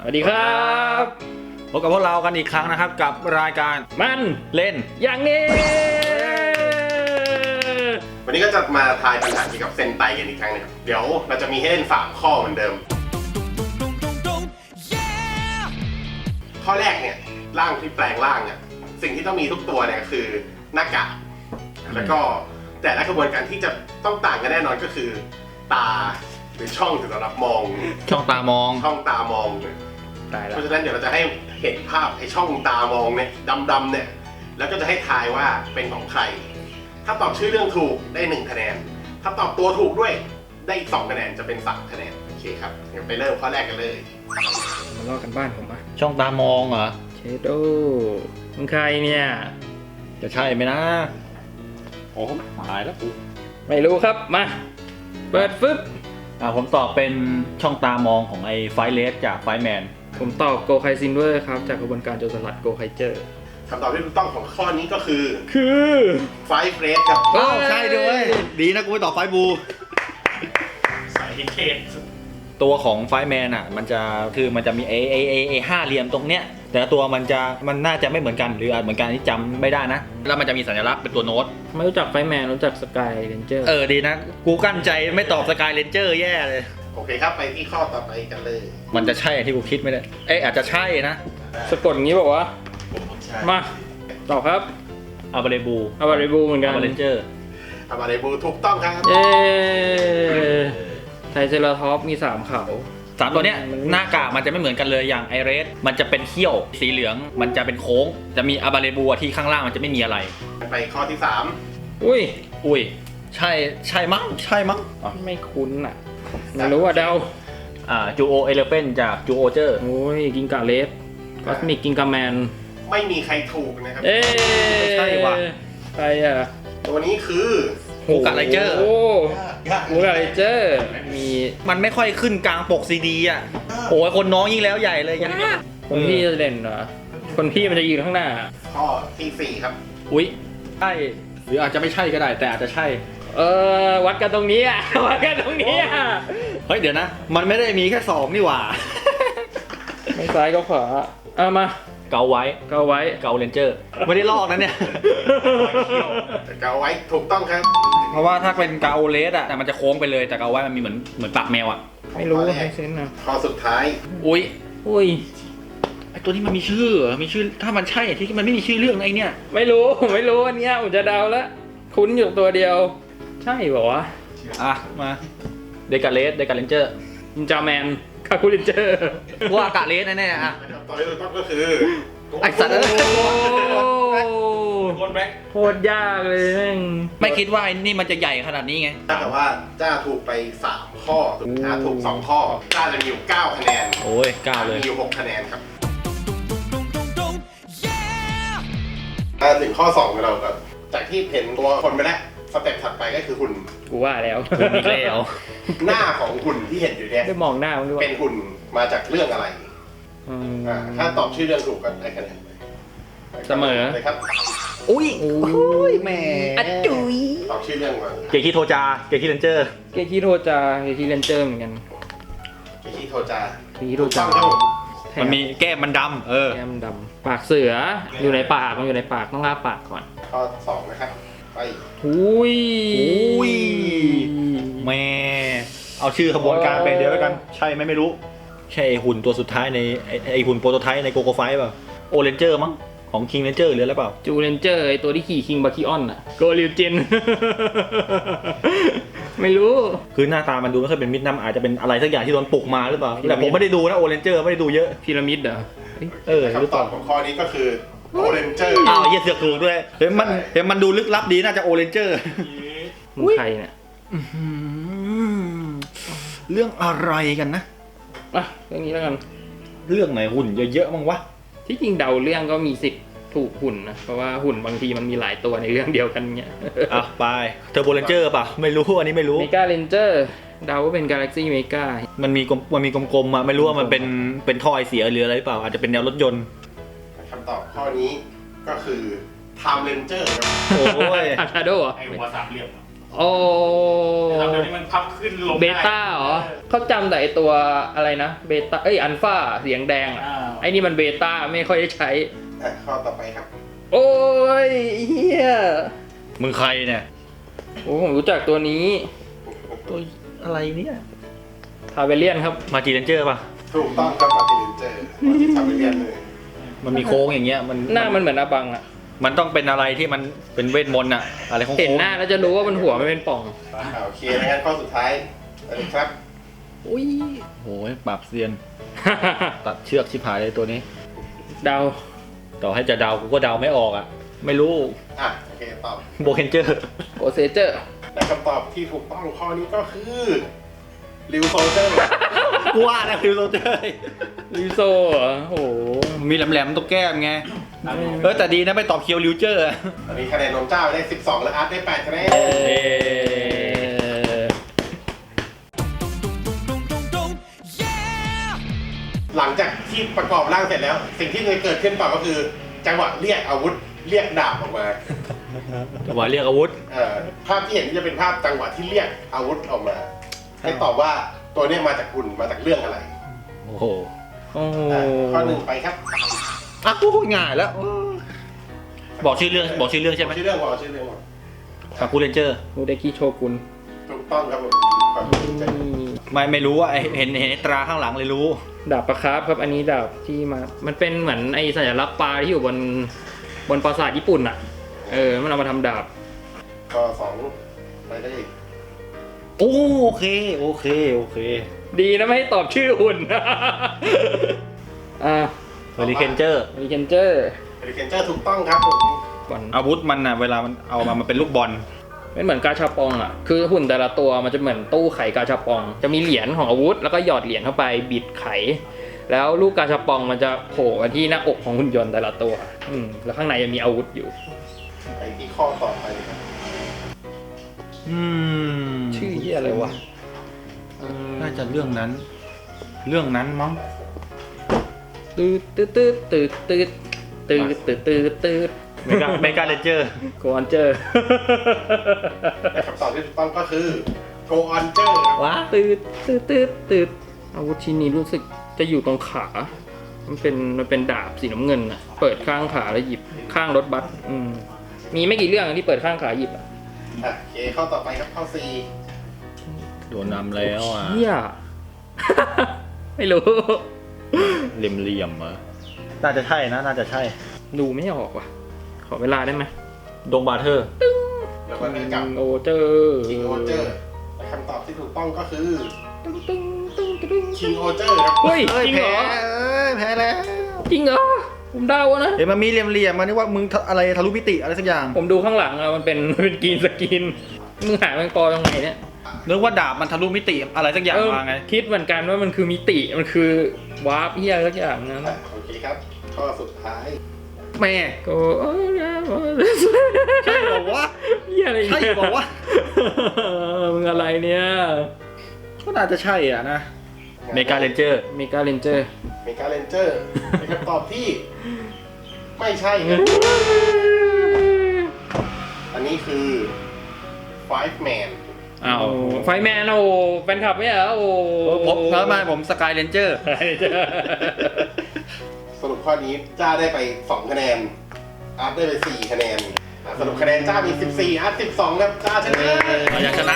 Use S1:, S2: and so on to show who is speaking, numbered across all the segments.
S1: วัสดีครับ
S2: พบกับพวกเรากันอีกครั้งนะครับกับรายการ
S1: มัน
S2: เล่น
S1: อย่างนี้
S3: วันนี้ก็จะมาทายปัญหาเกี่ยวกับเซนไตกันอีกครั้งนึงเดี๋ยวเราจะมีให้เล่น3ข้อเหมือนเดิมข้อแรกเนี่ยร่างที่แปลงร่างเนี่ยสิ่งที่ต้องมีทุกตัวเนี่ยคือหน้ากากแล้วก็แต่ละกระบวนการที่จะต้องต่างกันแน่นอนก็คือตาหรือช่องสำหรับมอง
S2: ช่องตามอง
S3: ช่องตามองเพราะฉะนั้นเดี๋ยวเราจะให้เห็นภาพไอ้ช่องตามองเนี่ยดำๆเนี่ยแล้วก็จะให้ทายว่าเป็นของใครถ้าตอบชื่อเรื่องถูกได้1คะแนนถ้าตอบตัวถูกด้วยได้อีก2คะแนนจะเป็น3คะแนนโอเคครับเดี๋ยวไปเริ่มข้อแรกกันเลย
S1: มาลอกกันบ้านผมอะ
S2: ช่องตามองเหรอ
S1: เชโดมึงใครเนี่ย
S2: จะใช่ไหมนะโอ้หายแล้วกู
S1: ไม่รู้ครับมาเปิดฟึบ
S2: ผมตอบเป็นช่องตามองของไอ้ไฟเลสจากไฟแมน
S1: ผมตอบโกไคซินเวอร์ครับจากกระบวนการโจรสลัดโกไคเจอร์
S3: คำตอบที่ถูกต้องของข้อนี้ก็คือไฟเฟรสครับ
S2: ใช่ด้วยดีนะกูไม่ตอบไฟบู
S3: สายเทน
S2: ตัวของไฟแมนอ่ะมันจะมีห้าเหลี่ยมตรงเนี้ยแต่ตัวมันน่าจะไม่เหมือนกันหรืออาจเหมือนกันที่จำไม่ได้นะแล้วมันจะมีสัญลักษณ์เป็นตัวโน้ต
S1: ไม่รู้จักไฟแมนรู้จักสกายเรนเจอร์
S2: ดีนะกูกั้นใจไม่ตอบสกายเรนเจอร์แย่เลย
S3: โอเคครับไปที่ข้อต่อไปกันเลย
S2: มันจะใช่ที่กูคิดไม่ได้อาจจะใช่นะ
S1: สะกดอย่างนี้บอกว่ามาตอบครับ
S2: อาบาเรบู
S1: เหมือนกัน
S2: อาบาเรนเจอร์
S3: อาบาเรบูถูกต้องครับ
S1: เย้ไทเซราทอปมี3เขา
S2: 3ตัวเนี้ยหน้ากากมันจะไม่เหมือนกันเลยอย่างไอเรสมันจะเป็นเขี้ยวสีเหลืองมันจะเป็นโค้งจะมีอาบาเรบูที่ข้างล่างมันจะไม่มีอะไร
S3: ไปข้อที่3
S2: อุ้ยใช่มั้ง
S1: ไม่คุ้นอ่ะไม่รู้ว่าเดา
S2: จูโอเอเลเฟนจากจูโอเจอร์
S1: โอ้ยกิงกาเลสคอสมิกกิงกาแมน
S3: ไม่มีใครถูกนะครับ
S1: ใช่ว่ะใครอ่ะ
S3: ตัวนี้คือ
S2: ฮูกาไลเจอร์
S1: ฮูกาไลเจอร์
S2: มันไม่ค่อยขึ้นกลางปกซีดีอ่ะโอ้ยคนน้องยิ่งแล้วใหญ่เลย
S1: คนพี่จะเด่นเหรอคนพี่มันจะยืนข้างหน้า
S3: ข้อที่4ครับ
S2: อุ้ยใช่หรืออาจจะไม่ใช่ก็ได้แต่อาจจะใช่
S1: วัดกันตรงนี้อ่ะวัดกันตรงนี้อ่ะ
S2: เฮ้ยเดี๋ยวนะมันไม่ได้มีแค่2นี่หว่า
S1: ไม่ซ้ายก็ขวามา
S2: เกาไว้เกาเรนเจอร์ไม่ได้ลอกนะเนี่ย
S3: เกาไว้ถูกต้องครับ
S2: เพราะว่าถ้าเป็นเกาเลสอะแต่มันจะโค้งไปเลยแต่เกาไว้มันมีเหมือนปากแมวอะ
S1: ไม่รู้ให้เซนนะ
S3: ข้อสุดท้าย
S2: อุ้ยไอตัวนี้มันมีชื่อถ้ามันใช่ที่มันไม่มีชื่อเรื่องไอเนี่ย
S1: ไม่รู้อันเนี้ยผมจะเดาแล้วคุ้นอยู่ตัวเดียวใช่ป่าวะ
S2: มาเดกาเลสเรนเจอร์
S1: นินจาแมนคาคูเรนเจอร์
S2: ว่าอากาศเลสแน่ๆ
S3: ตอนนี้ถูกต้องก็คือ
S2: ไอสัตว์
S1: โคตรยากเลยแม่ง
S2: ไม่คิดว่าไอ้นี่มันจะใหญ่ขนาดนี้ไง
S3: แต่ว่าจ้าถูกไป3ข้อถูก2ข้อจ้าจะมีอยู่9คะแนน
S2: โอ้ย9เลย
S3: มีอยู่6คะแนนครับถึงข้อ2ของเราครับจากที่เห็นตัวคนไปแล้วสเต็ปถัดไปก็คือหุ่น
S1: กูว่าแล้ว
S3: หน้าของหุ่นที่เห็นอยู่เนี่ย
S1: ได้มองหน้ามันด้วย
S3: เป็นหุ่นมาจากเรื่องอะไรถ้าตอบชื่อเรื่องถูกก็ได้คะแนน
S1: เสมอ
S3: เลยครับ
S2: อุ้ยแม่
S1: จุย
S3: ตอบชื่อเรื่องมา
S2: เกคิโทจาเกคิเรนเจอร์
S1: เหมือนกัน
S3: เกคิโทจา
S2: มันมีแก้มมันดำ
S1: แก้มดำปากเสืออยู่ในปากมันอยู่ในปากต้องลาปากก่อน
S3: ข้อ2นะครับไป
S1: อุ้ย
S2: แม่เอาชื่อขบวนการไปเดียวแล้วกันใช่ไหมไม่รู้ใช่ไอหุ่นตัวสุดท้ายในไอหุ่นโปรโตไทป์ในโกโก้ไฟป่ะโอเรนเจอร์มั้งของคิงเรนเจอร์หรืออะไรเปล่า
S1: จูเรนเจอร์ไอตัวที่ขี่คิงบาคิออนอะโกลิวจินไม่รู้
S2: คือหน้าตามันดูไม่ค่อยเป็นมิดน้ำอาจจะเป็นอะไรสักอย่างที่โดนปลุกมาหรือเปล่าแต่ผมไม่ได้ดูนะโอเรนเจอร์ไม่ได้ดูเยอะ
S1: พีระมิดเหรอ
S3: คำตอบของข้อนี้ก็คือโอเรนเจอร์
S2: เยี่ยเสือกถูกด้วยเห็นมันดูลึกลับดีน่าจะโอเรนเจอร์
S1: มึงใครเนี่ย
S2: เรื่องอะไรกันนะ
S1: เรื่องนี้แล้วกัน
S2: เรื่องไหนหุ่นเยอะๆมั้งวะ
S1: ที่จริงเดาเรื่องก็มีสิทธิ์ถูกหุ่นนะเพราะว่าหุ่นบางทีมันมีหลายตัวในเรื่องเดียวกันเงี้ย
S2: ไปเทอร์โบเรนเจอร์ป่ะไม่รู้อันนี้ไม่รู้
S1: เมกาเรนเจอร์เดาว่าเป็นกาแล็กซี่เมกา
S2: มันมีกลมๆไม่รู้ว่ามันเป็นท่อไอเสียหรืออะไรหรือเปล่าอาจจะเป็นแนวรถยนต์
S3: คำตอบข้อนี้ก็คือไทม์เรนเจอร์
S1: โอ้ยอาชาโดไอหัวสามเหลี่ยมโอ้
S4: เดี๋ยวนี้มันพับขึ้นลง
S1: เบต้าเหรอเขาจำแต่ไอตัวอะไรนะเบต้าอัลฟาเสียงแดงอะไอ้นี่มันเบต้าไม่ค่อยได้ใช้
S3: ข้อต่อไปครับ
S1: โอ้ยเฮีย
S2: มึงใครเนี่ย
S1: โอ้ผมรู้จักตัวนี้
S2: ตัวอะไรเนี่ย
S1: ทาเวเลียนครับ
S2: มาจีเรนเจอร์ป่ะ
S3: ถูกต้องครับมาติลินเจอร์มาติทำไปเรียนเลย
S2: มันมีโค้งอย่างเงี้ย
S1: หน้ามันเหมือนอาบังอะ
S2: มันต้องเป็นอะไรที่มันเป็นเวทมนต์อะอะไรโค้งๆ
S1: เห็นหน้าแล้วจะรู้ว่ามันหัวไม่เป็นป่อง
S3: โอเคงั้นข้อสุดท้ายอะไรครับ
S2: อุ้ยโอ้ยปราบเซียน ตัดเชือกชิบหายเลยตัวนี้
S1: เดา
S2: ต่อให้จะเดากูก็เดาไม่ออกอะไม่รู้
S3: โอเคตอบ
S2: โบเคนเจอร์
S1: โกเซเจอร์
S3: และคำตอบที่ถูกต้องข้อนี้ก็คือริวโซเจอร์
S2: กูว่านะฟิวโซเจอร์
S1: ลิโซเหรอโอ้โห
S2: มีแหลมๆตรงแก้มไงแต่ดีนะไม่ตอบเคียวริวเจอร์
S3: ตอนนี้คะแนนนมเจ้าได้ 12 และอาร์ตได้ 8 คะแนน หลังจากที่ประกอบร่างเสร็จแล้ว สิ่งที่จะเกิดขึ้นต่อก็คือจังหวะเรียกอาวุธเรียกดาบออกมา
S2: ว่าเรียกอาวุธ
S3: ภาพที่เห็นจะเป็นภาพจังหวะที่เรียกอาวุธออกมา ให้ตอบว่าตัวนี้มาจากหุ่นมาจากเรื่องอะไร
S2: โอ้โห
S1: โอ้โห
S3: ข้อหนึ่งไปครับ
S2: อ่ะกูง่ายแล้ว บอกชื่อเรื่องบอกชื่อเรื่องใช่ไหม
S3: ชื่อเรื่องก่อนชื่อเรื่องก่อน
S2: คาคูเรนเจอร์
S1: มูเดกิโชกุน
S3: ถูกต้องครับผมขอบคุณจ้ะ
S2: ไม่รู้ว่าเห็นตราข้างหลังเลยรู้
S1: ดาบประครับครับอันนี้ดาบที่มา มันเป็นเหมือนไอสัญลักษณ์ปลาที่อยู่บนปราสาทญี่ปุ่นอ่ะ มันเอามาทำดาบ
S3: ข้อสองไปได้อีก
S2: โอเค
S1: ดีนะไม่ให้ตอบชื่อหุ่น อ่า
S2: เฮลิเคนเจอร์
S1: มีเคนเจอร์
S3: เฮลิเคนเจอร์ถูกต้องครับผม
S1: ก่อน
S2: อาวุธมันน่ะเวลามันเอามามันเป็นลูกบอล
S1: ไม่เหมือนกาชาปองอ่ะ คือหุ่นแต่ละตัวมันจะเหมือนตู้ไขกาชาปอง จะมีเหรียญของอาวุธแล้วก็หยอดเหรียญเข้าไปบิดไข แล้วลูกกาชาปองมันจะโผล่มาที่หน้าอกของหุ่นยนต์แต่ละตัว แล้วข้างในจะมีอาวุธอยู่
S3: ไปที่ข้อต่อไปครับ
S1: ชื่อเหี้ยอะไรวะ
S2: น่าจะเรื่องนั้นมั้ง
S1: ตืดตืดตืดตืดตืดตืดตืดตืดตืด
S2: เมกาเลนเจอร์
S1: โกอนเจอร์
S3: และคำตอบที่ถูกต้องก็คือโกออนเจอร์
S2: ว้า
S1: ตืดตืดตืดตืดอาวุธชิ้นนี้รู้สึกจะอยู่ตรงขา มันเป็นดาบสีน้ำเงินอ่ะ เปิดข้างขาแล้วหยิบข้างรถบัสมีไม่กี่เรื่องที่เปิดข้างขาหยิบอ่ะ
S3: โอเคข้อต่อไปครับข้อสี่
S2: โดนนำแล้วอ่ะ
S1: เฮีย ไม่รู้
S2: เหลี่ยมๆอ่ะน่าจะใช่นะน่าจะใช่
S1: ดูไม่ออกว่ะ ขอเวลาได้ไหม
S2: ดงบาเทอร์
S3: แล้วก็ได้กับ
S1: โอเจอร์
S3: คิงโอเจอร์และคำตอบที่ถูกต้องก็คือ
S1: ตึ้งตึ้งตึ้งตึ้ง
S3: คิงโอเจอร์ครับ
S1: เฮ้ยจริงเหรอ
S2: แพ้แล้ว
S1: จริงเหรอ ผมเดาอะนะ
S2: เห็นมันมีเหลี่ยมๆมานี่ว่ามึงอะไรทะลุมิติอะไรสักอย่าง
S1: ผมดูข้างหลังอะมันเป็นกรีนสกิน มึงหาแมงปอตรงไหนเนี่ย
S2: นึกว่าดาบมันทะลุมิติอะไรสักอย่างมาไง
S1: คิดเหมือนกันว่ามันคือมิติ มันคือวาร์ปเฮียสักอย่างนั้น
S3: โอเคครับ ข้อสุดท้าย
S2: แม่
S1: ก็
S2: ใช่บอกว่า
S1: เฮียอะไรเนี่ย
S2: ใช่บอกว่า
S1: มึงอะไรเนี่ย
S2: ก็น่าจะใช่อ่ะนะเมกาเลนเจอร์
S1: เมกาเลนเจอร์
S3: เมกาเลนเจอร์เป็นคำตอบที่ไม่ใช่ครับอันนี้คือ Five Man
S2: อ้าว
S1: ไฟแมนโอ้แฟนคลับไม่เหรอโอ้
S2: ผมแล้วมาผมสกายเลนเจอร์
S3: สรุปข้อนี้จ้าได้ไป 2 คะแนน อาร์ตได้ไป 4 คะแนนสรุปคะแนนจ้ามี 14 อาร์ต12 ครับ จ้าชนะ
S2: อยากชนะ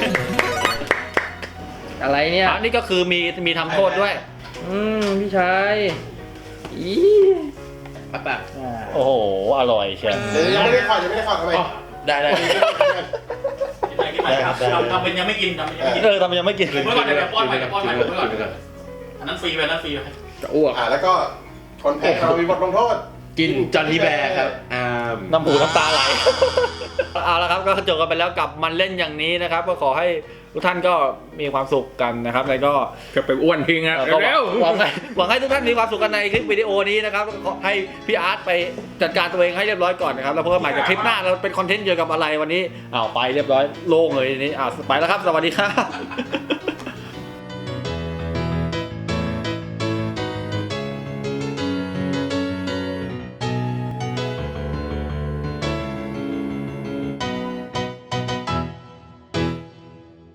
S1: อะไรเนี่ย
S2: อันนี้ก็คือมีทำโทษด้วย
S1: พี่ชายอี
S4: แบบ
S2: โอ้โห อร่อยเชียว
S3: เดี๋ยวยังไม่ได้ขอทำไม
S2: ได้
S4: กินไปครับทำเป็นยังไม่กินทำเป็นยังไม่กิน
S2: ทำไมยังไม่กิน
S4: เมื่อก่อนเดี๋ยวป้อนใหม่อันนั้นฟรีไปอันนั้นฟรีไป
S1: จะอ้วก
S3: แล้วก็คนแพ้เรามีบทลงโทษ
S5: กินจอห์นนี่แบร์ครับ
S2: น้ำหูน้ำตาไหล เอาละครับก็จบกันไปแล้วกับมันเล่นอย่างนี้นะครับ ก็ขอให้ทุกท่านก็มีความสุขกันนะครับแล้วก็
S1: จะไปอ้วนทิ้งอ่ะ
S2: ก็
S1: เร็ว
S2: หวังให้ทุกท่านมีความสุขกันในคลิปวิดีโอนี้นะครับขอให้พี่อาร์ตไปจัดการตัวเองให้เรียบร้อยก่อนนะครับแล้วพบกันใหม่กับคลิปหน้าเราเป็นคอนเทนต์เกี่ยวกับอะไรวันนี้ไปเรียบร้อยโล่งเลยทีนี้ไปแล้วครับสวัสดีครับ